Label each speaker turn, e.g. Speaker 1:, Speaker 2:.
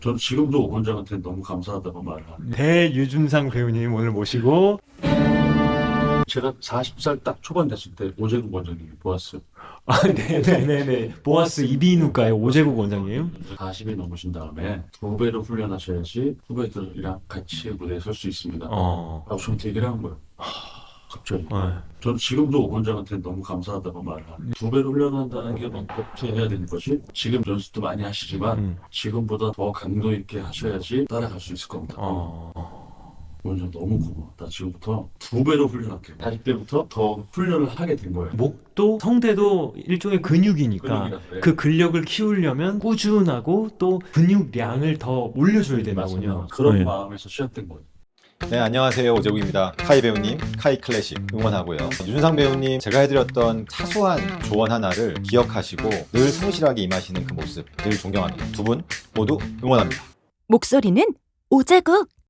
Speaker 1: 저는 지금도 원장한테 너무 감사하다고 말을 합니다.
Speaker 2: 대유준상 배우님 오늘 모시고
Speaker 1: 제가 40살 딱 초반 됐을 때 오재국 원장님이 보았어요.
Speaker 2: 네네네네 보아스 이비인후과의 오재국 원장님.
Speaker 1: 40이 넘으신 다음에 2배로 훈련하셔야지 후배들이랑 같이 무대에 설 수 있습니다. 라고 저한테 얘기를 한 거예요. 갑자기. 저는 지금도 원장한테 너무 감사하다고 말을 합니다. 2배로 훈련한다는 게 꼭 해야 되는 것이 지금 연습도 많이 하시지만 지금보다 더 강도 있게 하셔야지 따라갈 수 있을 겁니다. 원장 너무 고마웠다. 지금부터 2배로 훈련할게요. 40대부터 더 훈련을 하게 된 거예요.
Speaker 2: 목도 성대도 일종의 근육이니까
Speaker 1: 근육이라서, 네.
Speaker 2: 그 근력을 키우려면 꾸준하고 또 근육량을 더 올려줘야 되는군요.
Speaker 1: 맞습니다. 그런 마음에서 시작된 거예요.
Speaker 3: 네, 안녕하세요. 오재국입니다. 카이 배우님, 카이 클래식 응원하고요. 유준상 배우님, 제가 해드렸던 사소한 조언 하나를 기억하시고 늘 성실하게 임하시는 그 모습 늘 존경합니다. 두 분 모두 응원합니다.
Speaker 4: 목소리는 오재국.